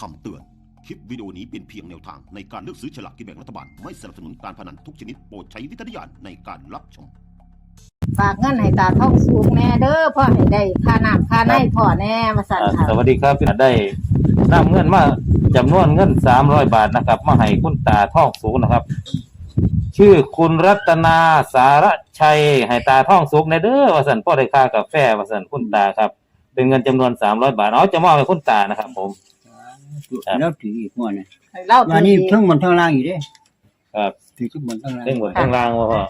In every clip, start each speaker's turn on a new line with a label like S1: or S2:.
S1: คำเตือน คลิปวิดีโอนี้เป็นเพียงแนวทางในการเลือกซื้อฉลากกินแบ่งรัฐบาลไม่สนับสนุนการพนันทุกชนิดโปรดใช้วิจารณญาณในการรับชม
S2: ฝากเงินให้ตาท่องสูงแน่เด้อพ่อให้ได้ค่าน้ำค่าในพ่อแน่มาสั่นค่ะ
S3: สวัสดีครับได้นำเงินมาจำนวนเงิน300 บาทนะครับมาให้คุณตาท่องสูงนะครับ ชื่อคุณรัตนาสารชัยให้ตาท่องสุขในเด้อว่าสันพ่อได้ค่ากาแฟว่าสันคุณตาครับเป็นเงินจำนวน300 บาทจะมอบให้คุณตานะครับผม
S4: แล้วถืออีกหัวเนี่ย
S2: ให้เล่า
S4: วันนี้ทั้งบนทั้งล่างอยู่เด้
S3: ครับ
S4: ถือทั้งบนทั้งล่าง
S3: เรื่องบนข้างล่างว่าพ่อ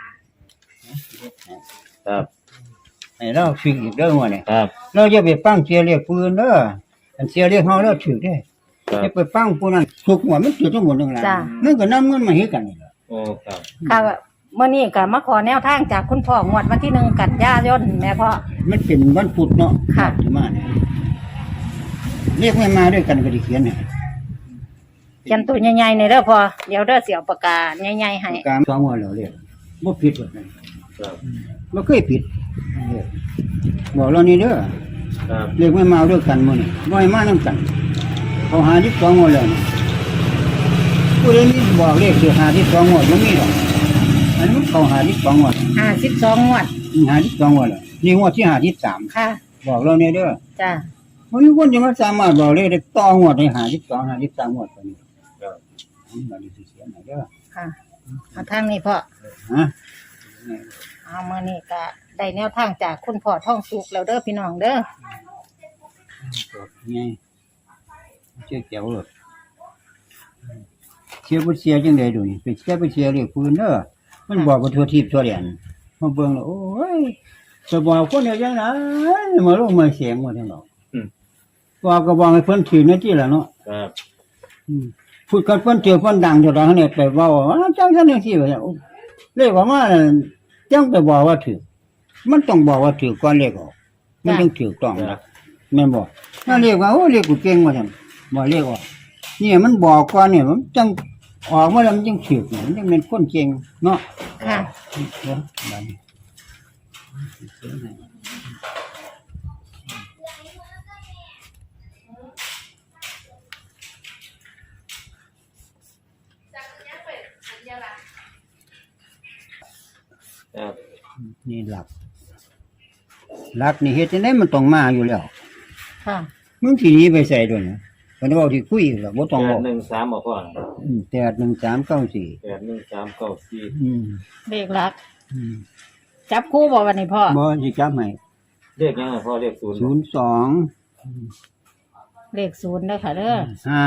S3: ครับ
S4: ไอ้เราถืออีกเด้อหัวเนี่ย
S3: ครับ
S4: เราจะไปปั้งเสียเรียกปืนเด้ออันเสียเรียกเฮาเราถือได้
S3: ครับ
S4: จะไปปั้งผู้นั้นสุกหัวมันถือทั้งบนทั้งล่างมันก็นำเงินมาให้กันนี่ล่ะ
S3: โอ้ครับ
S2: ค่ะเมื่อนี้ก็มาขอแนวทางจากคุณพ่องวดวันที่1 กันยายนแม่พ่อ
S4: มันเป็นวันพุธเนาะ
S2: ค่ะ
S4: ที่มาเนี่ยเรียกไม่มาด้วยกันก็ได้เขียนให้
S2: เขียนตัวใหญ่ๆในเด้อพ่อเดี๋ยวเด้อเสียวปากกาใหญ่ๆให้
S4: การสองหัวเราเรียกบ่ผิดหรอกนะ
S3: ครับ
S4: บ่เคยผิดเรียกบอกเรานี่เด้อ
S3: ครับ
S4: เรียกไม่มาด้วยกันมื้อนี้บ่ให้มานำกันเขาหาที่สองหัวแล้วนี่ผู้ใดมีบอกเลขสิหาที่สองหัวบ่มีหรอกอันนี้มันเขาหาที่สองหัว
S2: 52งวด
S4: หาที่สองหัวแล้วนี่หัวที่หาที่สาม
S2: ค่ะ
S4: บอกเราเนี่ยเด้อ
S2: จ้า
S4: บ่มีคนจะมาสามารถบอกเลขได้ต่อหัวได้หาที่สองหาที่สามหัวตัวนี้
S3: ครับ
S4: บัดนี้สิเสียหน่อยเด้อ
S2: ค่ะเอาทางนี้พ่อ
S4: ฮะ
S2: เอามื่อนี้ก็ได้แนวทางจากคุณพ่อท่องสุขแล้วเด้อพี่น้องเด้อ
S4: ไงเจ้าเจ้าเลยเชียร์บ่เชียร์จังได๋ดูนี่ไปเชียร์บ่เชียร์เรียกปืนเด้อมันบอกว่าทั่วทิพย์ทั่วแดนมาเบิ่งแล้วโอ้ยจะบอกคนเดียวจังได๋มาลงมาเสียงหมดทั้งดอกบอกก็บอกให้เพิ่นถือหน้าที่ล่ะเนาะ
S3: ครับ
S4: พูดกันเพิ่นถือเพิ่นดังจนเราเนี่ยไปเว้าว่าจังซั่นจังซี่ว่าเลขออกมาจังไปบอกว่าถือมันต้องบอกว่าถือก่อนเลขออกมันต้องถูกต้องนะแม่นบ่ถ้าเลขว่าโอ้เลขกูเก่งว่าซั่นบ่เลขออกนี่มันบอกก่อนเนี่ยมันจังออกมาแล้วมันจังถูกมันจังเป็นคนเก่งเนาะ
S2: ค่ะ
S4: บัดนี้
S3: ครับ
S4: นี่หลักนี่เฮ็ดจังได๋มันต้องมาอยู่แล้ว
S2: ค่ะ
S4: มึงสิหนีไปใส่ด้วยนะมันเว้าที่คุยหรอกบ่ต้องเว้า
S3: 813บอกพ่อ
S4: 81394
S3: 81394
S2: เลขหลัก จับคู่บ่วันนี้พ่อ
S4: บ่สิจับให้
S3: เรียกยังไงพ่อเรียกศูนย์
S4: 02
S2: เลข0เด้อค่ะเด้อ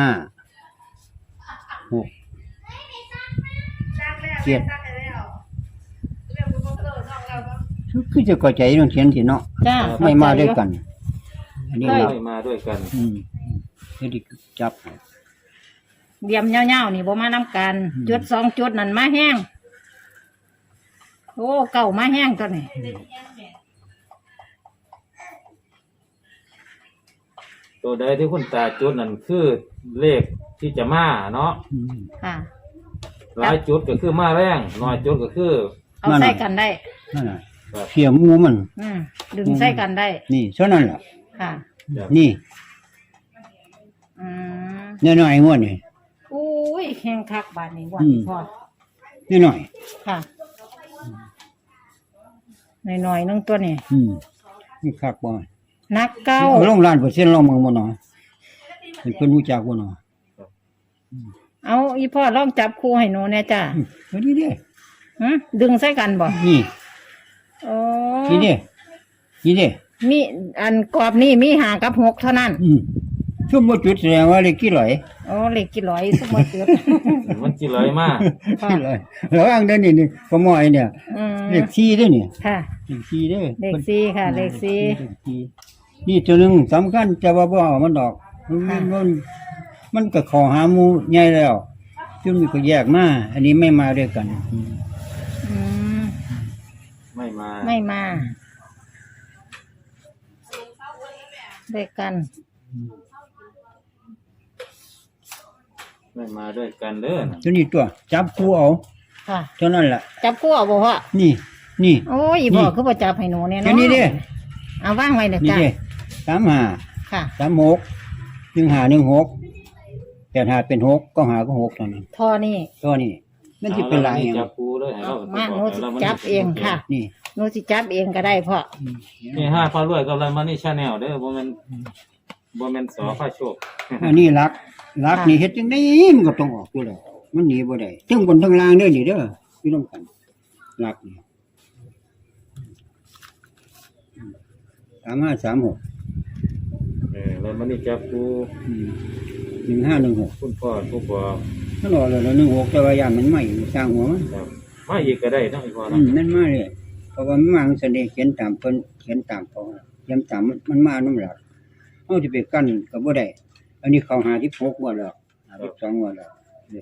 S4: 5 6 7คือจะเข้าใจต้องเขียนสิเนาะ
S2: จ้า
S4: ไม่มาด้วยกัน อันนี้เรา
S3: ไม่มาด้วยกัน
S4: เฮ็ดจับให้
S2: เดียมเงาๆนี่บ่มานํกันจุด2จุดนั่นมาแห้งโอ้เก่ามาแห้งตัวนี้
S3: ตัวใดที่คุณตาจุดนั่นคือเลขที่จะมาเนาะ
S2: ค่ะ
S3: หลายจุดก็คือมาแรงน้อยจุดก็คือ
S2: เอาใส่กันได้
S4: นั่นน่ะเสียหมูมัน
S2: ดึงใส่กันได้
S4: นี่เท่านั้นล่ะ
S2: ค่ะ
S4: นี่
S2: อืม
S4: น้อยๆงวดนี่
S2: อุ้ยแห้งคักบาดนี้บ่พ่อ
S4: น้อย
S2: ค่ะหน่อยๆนึงตัวนี้
S4: นี่คักบ่
S2: นักเก้า
S4: เอาลงล้านเปอร์เซ็นต์ลองมึงบ่เนาะให้เพิ่นรู้จักบ่เนาะ
S2: เอาอีพ่อลองจับคู่ให้หนูแน่จ้า
S4: เฮ้ยนี่เด้
S2: ดึงใส่กันบ่
S4: นี่
S2: โอ้
S4: นี่เด้นี่เด้
S2: มีอันกรอบนี่มี5 กับ 6เท่านั้น
S4: ชุบบ่จุดแสดงว่าเลขกี่ร้อย
S2: โอ้เลขกี่ร้อยสมมติเกิด
S3: มันจิเลยมาก
S4: กี่ร้อยแล้วอังเด้อนี่ขโมยเนี่ย เลข4เด้อนี่
S2: ค่ะ
S4: เลข4เด้อ
S2: เลขสี่ค่ะ เลขสี่
S4: นี่ตัวนึงสำคัญจะว่าบ่เอามันดอกมันก็เข้าหาหมู่ใหญ่แล้วจึงมีก็แยกมาอันนี้ไม่มาด้วยกัน
S2: อืม
S3: ไม่มา
S2: ไม่มาด้วยกัน
S3: ไม่มาด้วยกันเด้อนะ
S4: ตัวนี้ตัวจับคู่เอา
S2: ค่ะ
S4: เท่านั้นล่ะ
S2: จับคู่เอาบ่พ่อ
S4: นี่
S2: โอ้ยอีพ่อคือบ่จับให้หนูเนี่ย
S4: ตัว
S2: เนาะ
S4: นี้เด้
S2: เอาวางไว้เด้อ
S4: นี่
S2: จ้า
S4: เด้35
S2: ค่ะ
S4: 36 1516 แต่หาเป็นหกก็หาก็หกเท่านั้น
S2: ท่อนี่
S4: ตัวนี้มันสิเป็นหลายอย่าง
S3: จับปูเลยให้เรา
S2: มาหนูสิจับเองค่ะ
S4: นี่
S2: หนูสิจับเองก็ได้พ่อ
S3: นี่5พารวยกับไรมานี่ชาแนลเด้อบ่แม่นสอพาโชค
S4: อันนี้รักนี่เฮ็ดจังได๋มันก็ต้องออกอยู่แล้วมันหนีบ่ได้ทั้งบนทั้งล่างเด้อนี่เด้อพี่น้องกันรักนี่3536
S3: แล้วมานี่จับปู
S4: 1516
S3: คุณพ่อผู้บอก
S4: ตลอดเลย16แต่ว่าย่านมันใหม่สร้างหัวมัน
S3: ครับมาอีกก็ได้เนาะอีกพอ
S4: อื
S3: เนาะ
S4: นั่นมาเลยเพราะว่ามันมาแสดงเขียนตามเพิ่นเขียนตามเขาเขียนตามมันมาน้ำหลักเอาสิไปกั้นก็บ่ได้อันนี้เขา56งวดแล้ว52งวดแล้ว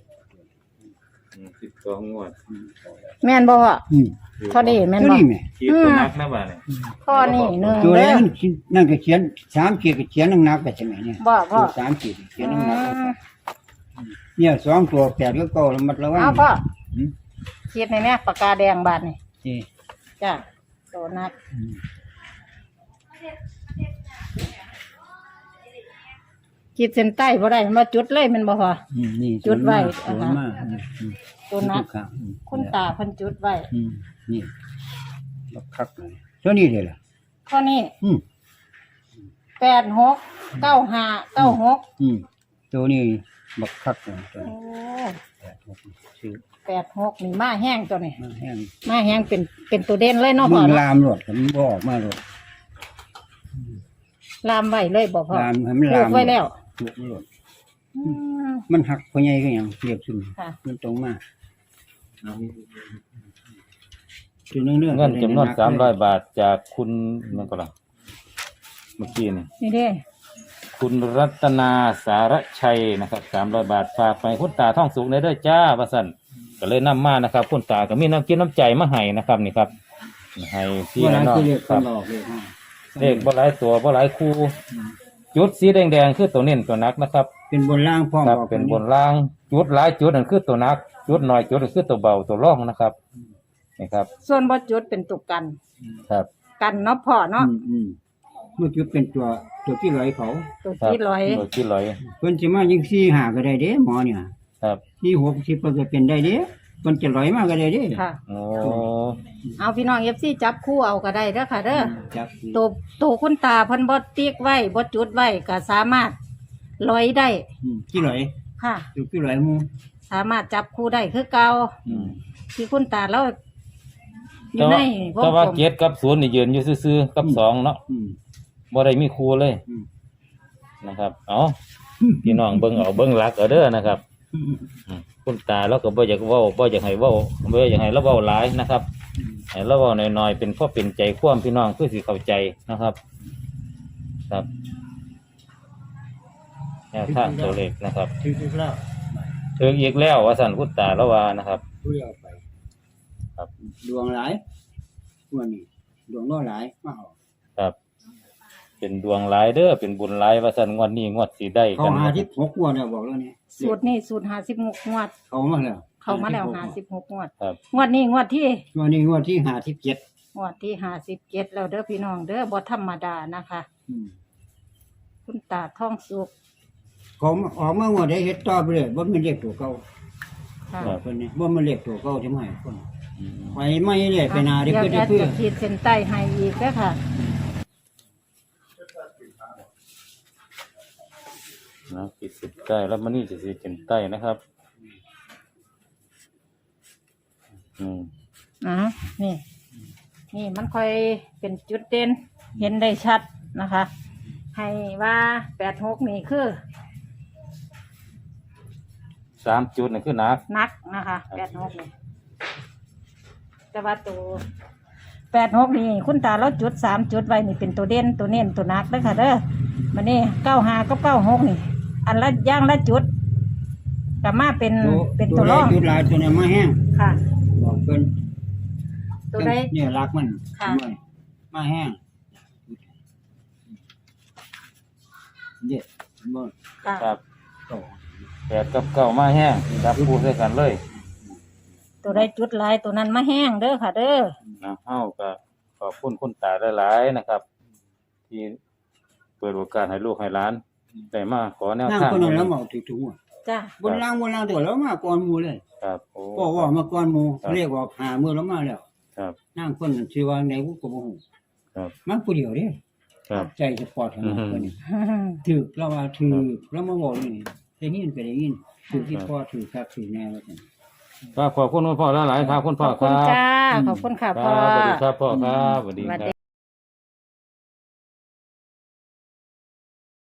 S3: 12งวด
S2: แม่นบ่พ่อ
S4: อืม
S2: ท่อนี่แม่น
S4: ตัว
S2: บ่
S4: นี้แหม่
S3: ขีดตัวนักนะบ่าดนี่
S2: ท่อนี่หนึ่ง
S4: ตัว
S2: เด้
S4: นั้
S2: อน
S4: นั่นก็เขียน3ขีดก็เขียนหนักๆไปใช่ไหมเนี่ย
S2: บ่พ่อ
S4: 3ขีดเขียนหนักๆเนี่ย2ตัว8ก็เก่าระมัดระวัง
S2: เอาพ่อ
S4: อืม
S2: คิดในแม่ปากกาแดงบาดนี่
S4: นี่
S2: จ้ะโตนัก
S4: อืม
S2: ขีดเส้นใต้บ่ได้มันบ่จุดเลยแมันบ่พ่อ
S4: นี่
S2: จุดไว้
S4: สวยมาก
S2: ตัวนัก
S4: ครับ
S2: คุณตาเพิ่นจุดไว้
S4: นี่บักคักเลยตัวนี้เลยล่ะ
S2: ข้อนี้
S4: อืม
S2: 869596
S4: ตัวนี้บักคักเลยตัว
S2: โอ้
S4: นี้ชื่อ
S2: 86นี่มาแห้งตัวนี้
S4: มาแห้ง
S2: มาแห้งเป็นตัวเด่นเลยเนาะ
S4: มึ
S2: พ่อง เนาะ
S4: ลามรถมันบ่ออกมาเลย
S2: ลามไว้เลยบ่พ่อ
S4: ลามให้มัน
S2: ปลู
S4: ลาก ม
S2: ไว้แล้ว
S4: ปลูกรถ
S2: อืม
S4: มันหักพอใหญ่ก็หยังเรียบซุ่ม
S2: ค่ะ
S4: มันตรงมาจุดเนื่อง
S3: เงินจำนวน300 บาทจากคุณนั่นก็ล่ะเมื่อกี้นี่
S2: นี่เด้
S3: คุณรัตนาสารชัยนะครับ300 บาทฝากไปคุณตาท่องสุขในเด้อจ้าว่าซั่นก็เลยนำมานะครับคุณตาก็มีน้ำกินน้ำใจมาให้นะครับนี่ครับให้พี่
S4: ว่านั้น
S3: น้อง
S4: คือเรียก
S3: ค
S4: กั
S3: รั
S4: น
S3: บ
S4: หลอกเลยฮะ
S3: เลขบ่หลายตัวบ่หลายคู่จุดสีแดงๆคือตัวเน้นตัวนักนะครับ
S4: เป็นบนล่างพร้อม
S3: ครับ
S4: บอก
S3: เป็นบนล่างจุดหลายจุดนั่นคือตัวนัก จุดน้อยจุดนั่นคือตัวเบาตัวร่องนะครับนี่ครับ
S2: ส่วนบ่จุดเป็นตุกกัน
S3: ครับ
S2: กันเนาะพ่อเนาะ
S4: เมื่อกี้เป็นตัวที่ไหลเขา
S2: ตัว
S3: ครับ
S2: ที่ร้อย
S3: ตัวที่ลอย
S4: เพิ่นสิมายิง4 5ก็ได้เด้หมอเนี่ย
S3: ครับ
S4: 4 6 10ก็เป็นได้เด้เพิ่นจะไหลมาก็ได้เด้
S2: ค่ะ
S3: โอ้
S2: เอาพี่น้อง FC จับคู่เอาก็ได้เด้อค่ะเด้อ
S4: จับ
S2: ตัวคุณตาเพิ่นบ่ติ๊กไว้บ่จุดไว้ก็สามารถร้อยได้
S4: ที่ไหล
S2: ค่ะ
S4: อยู่ที่ไหลหมู่
S2: สามารถจับคู่ได้คือเก่า
S3: อืม
S2: ที่คุณตาเราอ
S3: แต่
S2: ยู่ใน
S3: ว่าว
S2: ง
S3: แต่ว่าก
S2: ลม
S3: เจ็ดกับศูนย์นี่ยืนอยู่ซื่อๆกับสองเนาะ
S4: อืม
S3: บ่ได้มีครูเลย
S4: อืม
S3: นะครับเอาพี่น้องเบิ่งเอาเบิ่งหลักเอาเด้อนะครับ คุณตาแล้วก็บ่อยากเว้าบ่อยากให้เว้าบ่อยากให้เราเว้าหลายนะครับให้เราเว้าน้อยๆเป็นพ่อเป็นใจความพี่น้องเพื่อสิเข้าใจนะครับ ครับแนวทางตัวเลขนะครับ
S4: ถือแล้ว
S3: ถึงอีกแล้วว่าสั่นคุณตาแล้วว่านะครับ
S4: ผู้เดียวไป
S3: ครับ
S4: ดวงหลายวันนี้ดวงน้อยหลายมาเอา
S3: ครับ เป็นดวงหลายเด้อเป็นบุญหลายว่าสั่นงวดนี้งวดสิได้
S4: เขา
S3: กัน
S4: หาที่6งวดแล้วบอกแล้วนี่
S2: สูตรนี้สูตร56งวด
S4: เขามาแล้ว
S2: เข้ามาแล้ว56งวด
S3: ครับ
S2: งวดนี้งวดที่
S4: งวดนี้งวดที่57
S2: งวดที่57แล้วเด้อพี่น้องเด้อบ่ธรรมดานะคะ คุณตาท่องสุข
S4: เขาออกมางวดได้เฮ็ดต่อไปเลยบ่มันเรียกตัวเก่า
S2: ค่ะ
S4: เพิ่นนี่บ่มันเรียกตัวเก่าใช่ไหมคน
S3: อืม
S4: ไปไม่เนี่ยไปนาได้
S2: เดี๋ยว
S4: เพื่อ
S2: จะ
S4: เพื่อ
S2: ขีดเส้นใต้ให้อีกเด้อค่ะ
S3: นะปิดสิบใต้แล้วมันนี่จะสิเป็นใต้นะครับ
S2: นี่ นี่มันค่อยเป็นจุดเด่นเห็นได้ชัดนะคะ ให้ว่า86นี่คือ
S3: 3 จุดนี่คือหนัก
S2: นักนะคะ86นี่แต่ว่าตัว86นี่คุณตาเราจุด3จุดไว้นี่เป็นตัวเด่นตัวเน้นตัวนักเด้อค่ะเด้อมันนี่95กับ96นี่ อันละอย่างละจุดกับมาเป็นตัวรอง
S4: จุดหลายตัวเนี่ยมาแห้ง
S2: ค่ะ
S4: บอกเพิ่น
S2: ตัวใด
S4: เนี่ยรักมัน
S2: ค่ะ
S4: ด้วยมาแห้งเด็ดบ่
S2: ค่ะ
S3: ครับ
S4: โต
S3: 8กับ9มาแห้งจับคู่ด้วยกันเลย
S2: ตัวใดจุดหลายตัวนั้นมาแห้งเด้อค่ะ เด้อ
S3: นะเฮาก็ขอบคุณคุณตาหลายๆนะครับ ที่เปิดโอกาสให้ลูกให้หลานได้มาขอแนว
S4: นั่ง
S3: ทาง
S4: คนนั้นแล้วเมาถูกๆอ่ะ
S2: จ้า
S4: บนล่างตัวแล้วมาก่อนหมู่เลย
S3: ครับโอ้
S4: ก็ว่ามาก่อนหมู่
S3: ครับ
S4: เรียกว่าหามื้อแล้วมาแล้ว
S3: ครับ
S4: นางคนนั้นชื่อว่าไหนกูก็บ่ฮู้
S3: ครับ
S4: มันผู้เดียวเด้
S3: ครับ
S4: ใจสปอร์ตขนาดคนนี้ถือแล้วว่าถือแล้วมาบอกนี่ได้ยินก็ได้ยินถือที่พ่อถือครับถือแน่ว่าซั่น
S3: ครับขอบคุณคุณพ่อหลายๆครับคุณ
S2: ข
S3: พ่อ
S2: อบ
S3: ค
S2: คุณ
S3: รับ
S2: จ้า ขอบคุณค่ะ
S3: ค
S2: พ่อ
S3: รับสวัสดีครับพ่อครับสวัสดี
S2: สวัส
S3: ค
S2: ดี
S3: รับ